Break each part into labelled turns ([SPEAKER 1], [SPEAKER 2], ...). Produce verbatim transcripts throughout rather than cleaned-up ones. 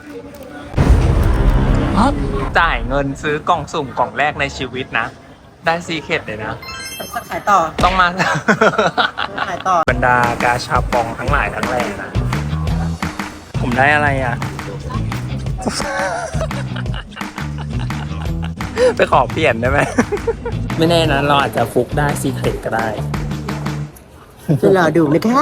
[SPEAKER 1] จ่ายเงินซื้อกล่องสุ่มกล่องแรกในชีวิตนะได้ซีเคร็ตเลยนะ
[SPEAKER 2] จะขายต่อ
[SPEAKER 1] ต้องมา
[SPEAKER 2] ขายต่อบ
[SPEAKER 1] รรดากาชาปองทั้งหลายทั้งแหล่นะผมได้อะไรอ่ะ ไปขอเปลี่ยนได้ไหม ไม่แน่นะเราอาจจะฟุกได้ซีเคร็ตก็ได้
[SPEAKER 2] จะรอดูนะคะ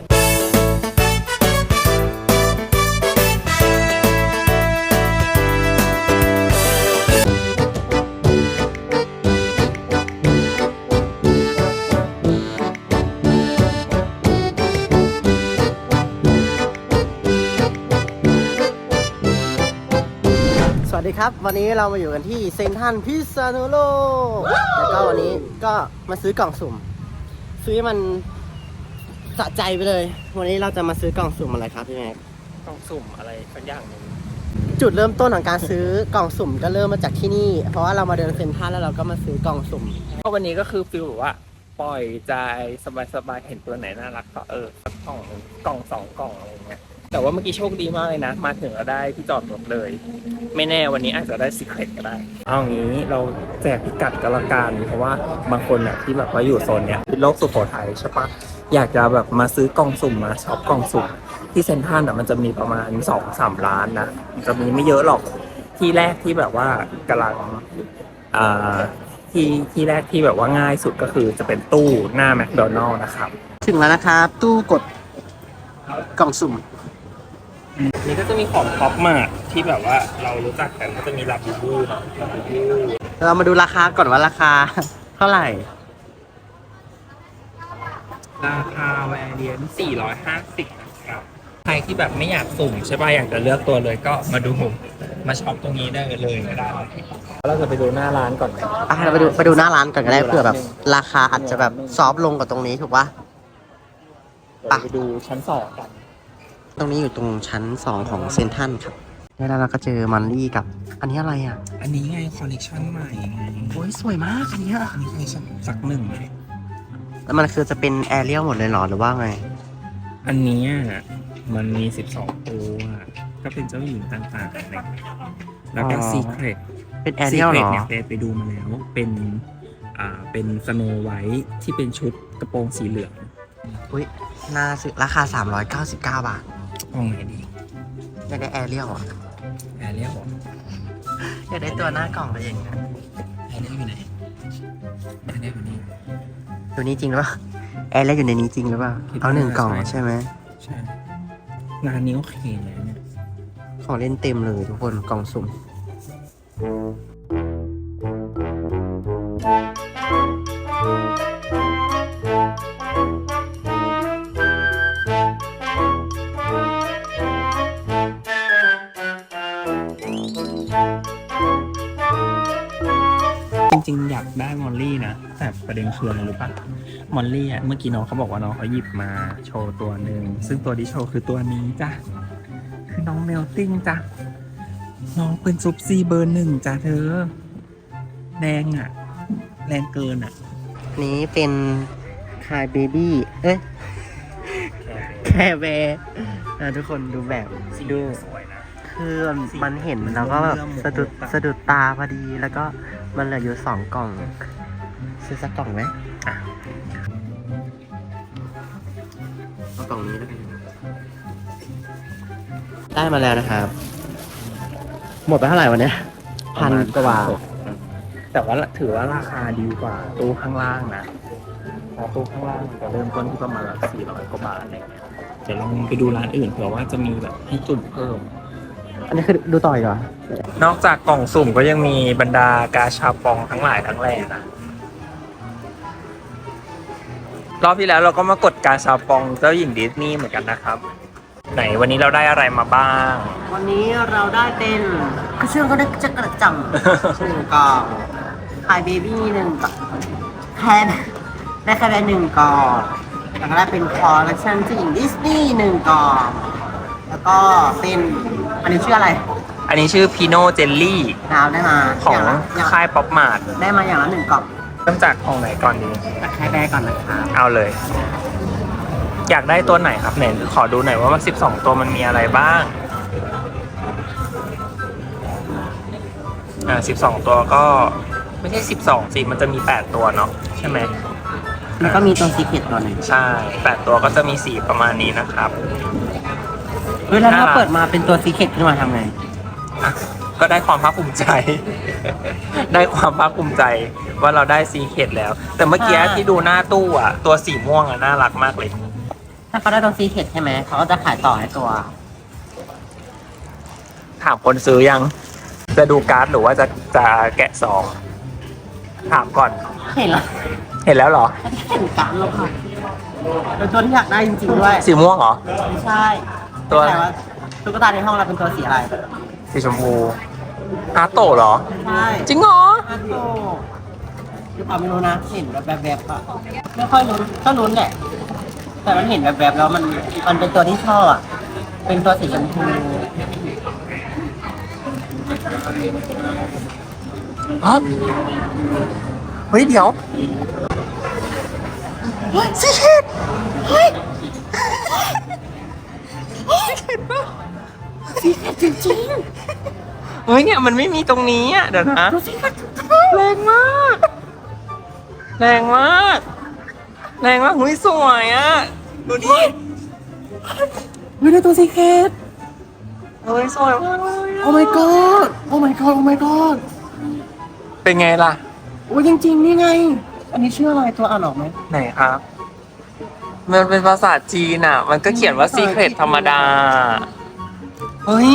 [SPEAKER 2] สวัสดีครับวันนี้เรามาอยู่กันที่เซ็นทรัลพิษณุโลกแล้วก็วันนี้ก็มาซื้อกล่องสุ่มซื้อมันสะใจไปเลยวันนี้เราจะมาซื้อกล่องสุ่มอะไรครับพี่แม็ก
[SPEAKER 1] กล่องสุ่มอะไรสักอย่างหนึ่ง
[SPEAKER 2] จุดเริ่มต้นของการซื้อกล่องสุ่มก็เริ่มมาจากที่นี่เพราะว่าเรามาเดินเซ็นทรัลแล้วเราก็มาซื้อกล่องสุ่ม
[SPEAKER 1] ก็วันนี้ก็คือฟิลว่าปล่อยใจสบายๆเห็นตัวไหนน่ารักก็เออสักกล่องกล่องสองกล่องอะไรเงี้ยแต่ว่าเมื่อกี้โชคดีมากเลยนะมาถึงเราได้ที่จอดรถเลยไม่แน่วันนี้อาจจะได้ซีเคร็ตก็ได้เอางี้เราแจกพิกัดกันละกันเพราะว่าบางคนเนี่ยที่แบบว่าอยู่โซนเนี้ยเป็นโลกสุโขทัยใช่ปะอยากจะแบบมาซื้อกล่องสุ่มมาช็อปกล่องสุ่มที่เซ็นทรัลอ่ะมันจะมีประมาณ สองถึงสาม ร้านนะมันจะมีไม่เยอะหรอกที่แรกที่แบบว่ากำลังอ่าที่ที่แรกที่แบบว่าง่ายสุดก็คือจะเป็นตู้หน้าแมคโดนัลล์นะครับ
[SPEAKER 2] ถึงแล้วนะครับตู้กดกล่องสุ่ม
[SPEAKER 1] นี่ก็จะมีของท็อปมากที่แบบว่าเรารู้จักกันก็จะมีลาบูบูเนาะลาบูบู
[SPEAKER 2] เรามาดูราคาก่อนว่าราคาเท่าไหร่
[SPEAKER 1] ราคาแวร์เรียนสี่ร้อยห้าสิบนะครับใครที่แบบไม่อยากสุ่มใช่ป่ะอยากจะเลือกตัวเลยก็มาดูมาช็อปตรงนี้ได้เลยก็ได้เราจะไปดูหน้าร้านก่อนไหม
[SPEAKER 2] อ่ะเราไปดูไปดูหน้าร้านก่อนก็ได้เผื่อแบบราคาอาจจะแบบซอฟลงกว่าตรงนี้ถูกปะ
[SPEAKER 1] ไปดูชั้นสองกัน
[SPEAKER 2] ตรงนี้อยู่ตรงชั้นสองของเซ็นทรัลครับแล้วเราก็เจอมันลี่กับอันนี้อะไรอ่ะ
[SPEAKER 1] อันนี้ไงคอลเลคชันใหม่ไง
[SPEAKER 2] โอ้ยสวยมากอันนี้
[SPEAKER 1] อันนี้คอลเลคชันสักหนึ่งเลย
[SPEAKER 2] แล้วมันคือจะเป็นแอเรียลหมดเลยหรอหรือว่าไง
[SPEAKER 1] อันนี้มันมีสิบสองตัวก็เป็นเจ้าหญิงต่างๆอะไรแล้วก็ซีเคร็ต
[SPEAKER 2] เป็นแอเรียลเหรอ
[SPEAKER 1] เนี่ยไปดูมาแล้วเป็นอ่าเป็นสโนไวท์ที่เป็นชุดกระโปรงสีเหลือง
[SPEAKER 2] อุ้ยน่าซื้อราคาสามร้อยเก้าสิบเก้าบาท
[SPEAKER 1] มองไหนดี
[SPEAKER 2] อยากได้แอเรียลอ่ะ
[SPEAKER 1] แอเรียล
[SPEAKER 2] อยากได้ตัวหน้ากล่องอะไรอย่างเงี้ย
[SPEAKER 1] แอเรียลอยู่ไหนแอเรียลอยู่นี่
[SPEAKER 2] ตัวนี้จริงหรือเปล่าแอเรียลอยู่ในนี้จริงหรือเปล่าเอาหนึ่งกล่องใช่ไหม
[SPEAKER 1] ใช่งานนี้โอเคเลยเนี่ย
[SPEAKER 2] ของเล่นเต็มเลยทุกคนกล่องสุ่ม
[SPEAKER 1] จริงๆอยากได้มอลลี่นะแต่ประเด็นคืออะไรรู้ป่ะมอลลี่อ่ะเมื่อกี้น้องเขาบอกว่าน้องเขาหยิบมาโชว์ตัวหนึ่งซึ่งตัวที่โชว์คือตัวนี้จ้ะคือน้องเมลติ้งจ้ะน้องเป็นซุปซีเบอร์หนึ่งจ้ะเธอแรงอ่ะแรงเกินอ่ะ
[SPEAKER 2] นี้เป็นคายเบบี้เอ้ยแคร์แบร์นะทุกคนดูแบบดูคือมันเห็นแล้วก็แบบสะดุดสะดุดตาพอดีแล้วก็มันเหลืออยู่สองกล่องซื้อสักกล่องไหมอ่ะเอากล่องนี้แล้วกันได้มาแล้วนะครับหมดไปเท่าไหร่วันนี้พันกว่าบาท
[SPEAKER 1] แต่ว่าถือว่าราคาดีกว่าตู้ข้างล่างนะเพราะตู้ข้างล่างจะเริ่มต้นที่ประมาณสี่ร้อยกว่าบาทอะไรเงี้ยเดี๋ยวลองไปดูร้านอื่นเผื่อว่าจะมีแบบให้จุดเพิ่ม
[SPEAKER 2] อันนี้คือดูต่ออีกเหรอ
[SPEAKER 1] นอกจากกล่องสุ่มก็ยังมีบรรดากาชาปองทั้งหลายทั้งแหล่นะรอบที่แล้วเราก็มากดกาชาปองเจ้าหญิงดิสนีย์เหมือนกันนะครับไหนวันนี้เราได้อะไรมาบ้าง
[SPEAKER 2] วันนี้เราได้เป็นกระเชื่องก็ได้จะกระจังหนึ่งกล่องคายเบบี้หนึ่งกล่องแค่ได้แค่ได้หนึ่งกล่องแล้วก็ได้เป็นคอลเลคชันเจ้าหญิงดิสนีย์หนึ่งกล่องแล้วก็เป็นอันนี้ชื่ออะไร
[SPEAKER 1] อันนี้ชื่อพีโนเจลลี่
[SPEAKER 2] ดาวได้มา
[SPEAKER 1] ของค่ายป๊อปมาร์ท
[SPEAKER 2] ได้มาอย่างละหนึ่งกล่อง
[SPEAKER 1] เริ่มจากของไหนก่อนดี
[SPEAKER 2] แค่แบก่อนนะครับ
[SPEAKER 1] เอาเลยอยากได้ตัวไหนครับไหนขอดูหน่อยว่ามันสิบสองตัวมันมีอะไรบ้างอ่าสิบสองตัวก็ไม่ใช่สิบสองสิมันจะมีแปดตัวเนาะใช่ไหม
[SPEAKER 2] แล้วก็มีตัวซีเคร็ตตัวหนึ่ง
[SPEAKER 1] ใช่แปดตัวก็จะมีสีประมาณนี้นะครับ
[SPEAKER 2] เฮ้ยแล้วถ้า
[SPEAKER 1] น่ารัก
[SPEAKER 2] เปิดมาเป็นตัวซีเคร็ตขึ้นมาทำไง
[SPEAKER 1] อ่ะก็ได้ความภาคภูมิใจ ได้ความภาคภูมิใจว่าเราได้ซีเคดแล้ว แต่เมื่อกี้
[SPEAKER 2] อ่า
[SPEAKER 1] ที่ดูหน้าตู้อ่ะ ตัวสีม่วงอ่ะน่ารักมากเลย
[SPEAKER 2] ถ้าเขาได้ตัวซีเคร็ตใช่ไหมเขาก็จะขายต่อให้ตัว
[SPEAKER 1] ถามคนซื้อยัง จะดูการ์ดหรือว่าจะจะแกะซอง ถามก่อน
[SPEAKER 2] เห็นแล้ว
[SPEAKER 1] เห็นแล้วเหรอ
[SPEAKER 2] เห็นการแล้วค่ะเป็นตัวที่อยากได้จริงๆด้วย
[SPEAKER 1] สีม่วงเหรอ
[SPEAKER 2] ไม่ใช่
[SPEAKER 1] ตัว
[SPEAKER 2] แต่ว่าตุ๊กตาในห้องเราเป็นตัวสีอะไร
[SPEAKER 1] สีชมพูฮาโตะเหรอ
[SPEAKER 2] ใช่
[SPEAKER 1] จริงเหรอ
[SPEAKER 2] ฮัตโตหรือเปล่าไม่รู้นะ เห็นแบบแบบๆอะไม่ค่อยรู้ก็รู้แหละ แต่มันเห็นแบบแบบๆแล้วมันมันเป็นตัวที่ชอบอะเป็นตัวสีชมพู
[SPEAKER 1] ฮะเฮ้ยเดี๋ยวซีเคดเฮ้ยซีเคดจริงๆเฮ้ยเนี่ยมันไม่มีตรงนี้อ่ะเดี๋ยวนะแรงมากแรงมากแรงมากหุ้ยสวยอ่ะดูดิ
[SPEAKER 2] ไม่ได้ตัวซีเคร็ต
[SPEAKER 1] เฮ้ยสวยมากเลยอะ
[SPEAKER 2] โอ้ my god โอ้ my god โอ้ my god
[SPEAKER 1] เป็นไงล่ะ
[SPEAKER 2] โอ้ยจริงๆนี่ไง อันนี้ชื่ออะไรตัวอ่านออกไหม
[SPEAKER 1] ไหนครับ มันเป็นภาษาจีนอ่ะ มันก็เขียนว่า Secret ธรรมดา เฮ้ย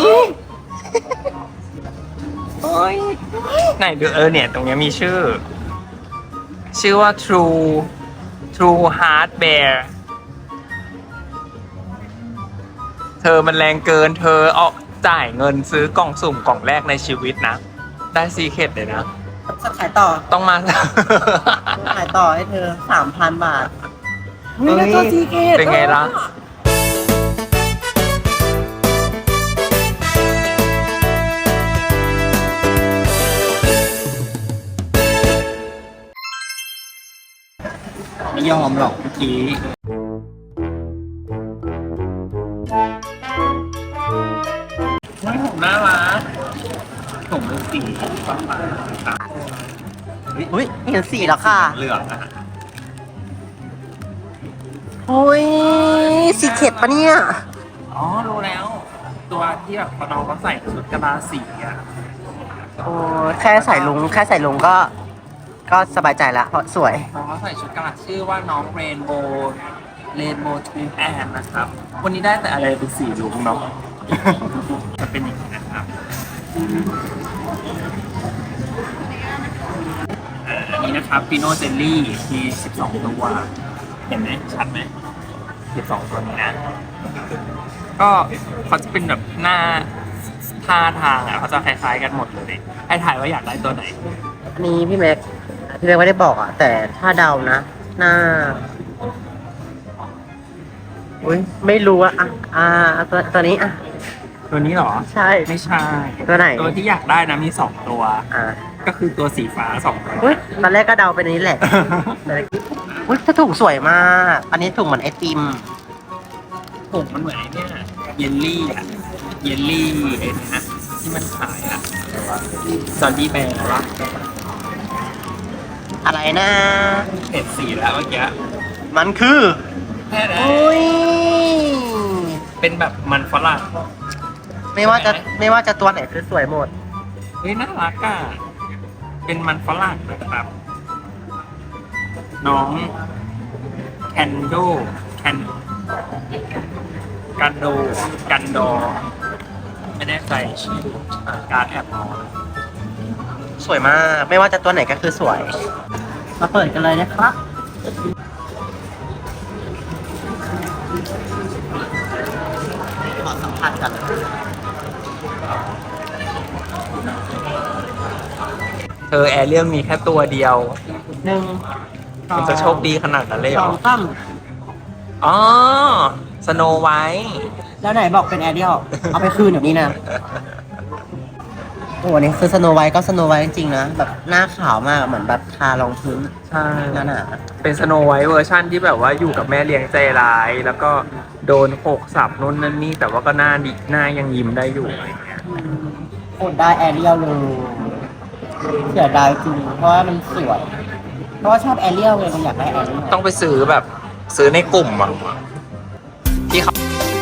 [SPEAKER 1] เฮ้ย ไหนดูเออเนี่ย ตรงเนี้ยมีชื่อ ชื่อว่า True True Heart Bear เธอมันแรงเกิน เธอเอาจ่ายเงินซื้อกล่องสุ่มกล่องแรกในชีวิตนะ ได้ Secret เลยนะ
[SPEAKER 2] จะขายต่อ
[SPEAKER 1] ต้องมา
[SPEAKER 2] ขายต่อให้เธอสามพันบาท
[SPEAKER 1] เฮ้ย
[SPEAKER 2] ได้ตัวซีเคร็ต
[SPEAKER 1] เป็นไงล่ะ ไม่ยอมหรอกเมื่อกี้ไม่ผมน่ารักผมเป็นสีฟ้า
[SPEAKER 2] อุ้ยเห็นสีแล้วค่ะ
[SPEAKER 1] ๆเหลืองนะฮะ
[SPEAKER 2] โอ้ยซีเคร็ตปะเนี่ย
[SPEAKER 1] อ๋อ รู้แล้ว ตัวที่แบบน้องเขาใส่ชุดกระบาสีอ่ะ
[SPEAKER 2] โอ้แค่ใส่ลุงแค่ใส่ลุงก็ ก็สบายใจละเพราะสวย
[SPEAKER 1] น้องเขาใส่ชุดกระบาชื่อว่าน้องเรนโบว์เรนโบว์ทูแอนนะครับ วันนี้ได้แต่อะไรเป็นสีลุงเนาะ จะเป็นอย่างนี้นะครับอ่าอันนี้นะครับปิโนเจลลี่มีสิบสองตัว เห็นไหมชัดไหมสิบสองตัวนี้นะ ก็เขาจะเป็นแบบหน้าท่าทางอ่ะเขาจะคล้ายๆกันหมดเลย ให้ถ่ายว่าอยากได้ตัวไหน
[SPEAKER 2] นี่พี่แม็กพี่แม็กไม่ได้บอกอ่ะ แต่ถ้าเดานะ หน้า อุ้ยไม่รู้อะอ่ะอ่าตัวตัวนี้อ่ะ
[SPEAKER 1] ตัวนี้เหรอ
[SPEAKER 2] ใช่
[SPEAKER 1] ไม่ใช่
[SPEAKER 2] ตัวไหน
[SPEAKER 1] ตัวที่อยากได้นะมีสองตัว
[SPEAKER 2] อ่า
[SPEAKER 1] ก็คือตัวสีฟ้าสองตัว
[SPEAKER 2] อุ้ยตอนแรกก็เดาเป็นอันนี้แหละ แต่อุ้ยถ้าถุงสวยมาก อันนี้ถุงเหมือนไอติม
[SPEAKER 1] ผมมันเหมือนไอ้เนี่ยเยลลี่อ่ะ เยลลี่ไอ้นี่นะที่มันขายอ่ะซอลลี่แบร์วะ
[SPEAKER 2] อะไรนะ
[SPEAKER 1] เห็นสีแล้วเมื่อกี้
[SPEAKER 2] มันคือ
[SPEAKER 1] แค่นั้น
[SPEAKER 2] อุ้ย
[SPEAKER 1] เป็นแบบมันฝรั่ง
[SPEAKER 2] ไม่ว่าจะไม่ว่าจะตัวไหนคือสวยหมด
[SPEAKER 1] เฮ้ยน่ารักอ่ะ เป็นมันฝรั่งนะครับ น้องแคนโดแคนกันโดกันดอไม่แน่ใจชื่อการดแอบมอง
[SPEAKER 2] สวยมาก ไม่ว่าจะตัวไหนก็คือสวย มาเปิดกันเลยนะครับ ขอสัมผัสกัน
[SPEAKER 1] เธอแอเรียลมีแค่ตัวเดียว
[SPEAKER 2] หนึ่ง
[SPEAKER 1] มันจะโชคดีขนาดนั้นเลยเห
[SPEAKER 2] ส
[SPEAKER 1] ร
[SPEAKER 2] อ
[SPEAKER 1] อ
[SPEAKER 2] งตั้ม
[SPEAKER 1] อ๋อ สโนไวท์
[SPEAKER 2] แล้วไหนบอกเป็นแอเรียลเอาไปคืนเดี๋ยวนี้นะ โอ้อันนี้คือสโนไวท์ก็สโนไวท์จริงๆนะ แบบหน้าขาวมากเหมือนแบบทารองพื้น
[SPEAKER 1] ใช่
[SPEAKER 2] หนาหนา
[SPEAKER 1] เป็นสโนไวท์เวอร์ชั่นที่แบบว่าอยู่กับแม่เลี้ยงใจร้าย แล้วก็โดนโขกสับนู่นนั่นนี่ แต่ว่าก็หน้าดิหน้ายังยิ้มได้อยู่อะไรเงี้ย
[SPEAKER 2] โคตรได้แอเรียลเลยเสียดายจริงเพราะว่ามันสวย เพราะว่าชอบแอเรียลเลยมันอยากได้แอเรียล
[SPEAKER 1] ต้องไปซื้อแบบซื้อในกลุ่มอ่ะที่เขา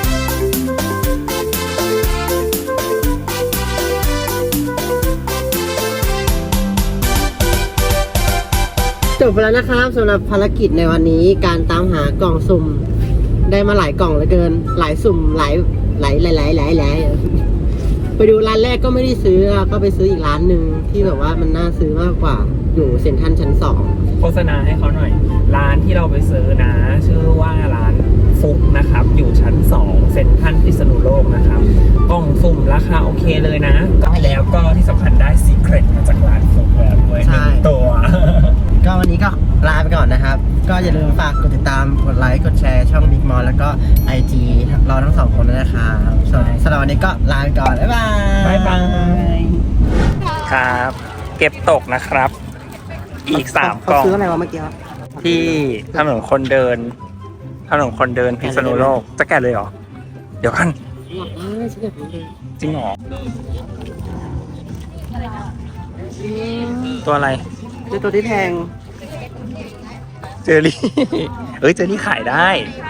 [SPEAKER 2] จบไปแล้วนะครับสำหรับภารกิจในวันนี้การตามหากล่องสุ่มได้มาหลายกล่องเหลือเกิน หลายสุ่มหลายหลายหลายหลายหลายหลายไปดูร้านแรกก็ไม่ได้ซื้อก็ไปซื้ออีกร้านหนึ่งที่แบบว่ามันน่าซื้อมากกว่าอยู่เซ็นทรัลชั้นสอง
[SPEAKER 1] โฆษณาให้เขาหน่อย ร้านที่เราไปซื้อนะ ชื่อว่าร้านฟุกนะครับ อยู่ชั้นสองเซ็นทรัลพิษณุโลกนะครับกล่องสุ่มราคาโอเคเลยนะก็แล้วก็ที่สำคัญได้ซีเครตมาจากร้านฟุกแล้วด้วยหนึ่งตัว
[SPEAKER 2] ก็วันนี้ก็ลาไปก่อนนะครับ ก็อย่าลืมฝากกดติดตามกดไลค์กดแชร์ช่อง Big Mall แล้วก็ ไอ จี เราทั้งสองคนด้วยนะครับสำหรับสำหรับวันนี้ก็ลาไปก่อน บ๊ายบาย
[SPEAKER 1] บ๊ายบาย ครับ เก็บตกนะครับ อีกสามกล่อง
[SPEAKER 2] เขาซื้ออะไรวะเมื่อกี้
[SPEAKER 1] ที่ถนนคนเดินถนนคนเดินพิษณุโลกจะแกะเลยเหรอ เดี๋ยวกัน
[SPEAKER 2] เออฉันอยากรู้เลย
[SPEAKER 1] จริงเหรอ ตัวอะไร
[SPEAKER 2] คือตัวที่แพง
[SPEAKER 1] เจอรี่ เอ้ยเจอรี่ขายได้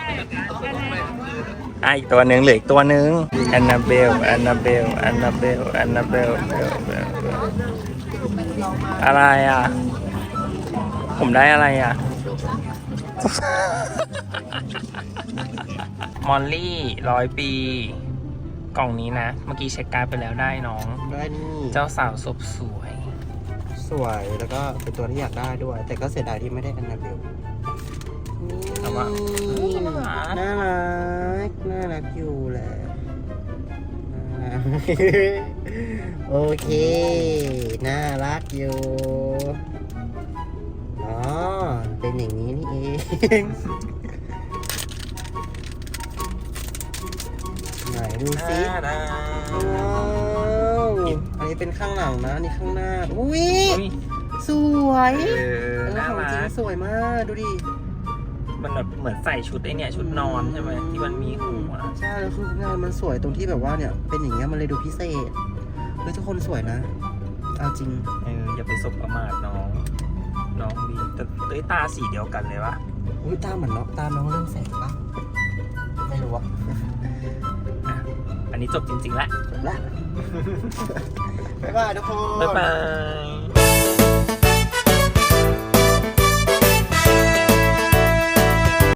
[SPEAKER 1] อ่ะอีกตัวหนึ่งเหลืออีกตัวหนึ่งแอนนาเบลแอนนาเบลแอนนาเบลแอนนาเบลอะไรอ่ะ ผมได้อะไรอ่ะ มอลลี่ร้อยปี กล่องนี้นะ เมื่อกี้เช็คการ์ดไปแล้วได้น้อง
[SPEAKER 2] ได้นี่
[SPEAKER 1] เจ้าสาวศพสวย
[SPEAKER 2] สวยแล้วก็เป็นตัวที่อยากได้ด้วย แต่ก็เสียดายที่ไม่ได้อันนาเบล
[SPEAKER 1] แต่ว่า
[SPEAKER 2] น่ารักน่ารักอยู่แหละน่ารัก โอเค น่ารักอยู่ อ๋อ เป็นอย่างนี้นี่เอง ไหนดูซิว้าวอันนี้เป็นข้างหลังนะอันนี่ข้างหน้า อุ้ย
[SPEAKER 1] อุ๊ย
[SPEAKER 2] สวย
[SPEAKER 1] เออ
[SPEAKER 2] เออ
[SPEAKER 1] น่า
[SPEAKER 2] ของจริ
[SPEAKER 1] รั
[SPEAKER 2] ง
[SPEAKER 1] ก
[SPEAKER 2] สวยมากดูดิ
[SPEAKER 1] มันแบบเหมือนใส่ชุดไอเนี่ยชุดนอนใช่ไหมที่มันมีหัว
[SPEAKER 2] ใช่แล้วคืองานมันสวยตรงที่แบบว่าเนี่ยเป็นอย่างเงี้ยมันเลยดูพิเศษเฮ้ยทุกคนสวยนะเอาจริง
[SPEAKER 1] เอออย่าไปสบประมาทน้อง น้องดีแต่เต้ยตาสีเดียวกันเลยวะ
[SPEAKER 2] อุ้ยตาเหมือนน้องตาน้องเรื่องแสงปะไม่รู้อะ
[SPEAKER 1] อ่ะอันนี้จบจริงๆแล้ว
[SPEAKER 2] จบละ บ๊ายบายทุกคน
[SPEAKER 1] บ๊ายบาย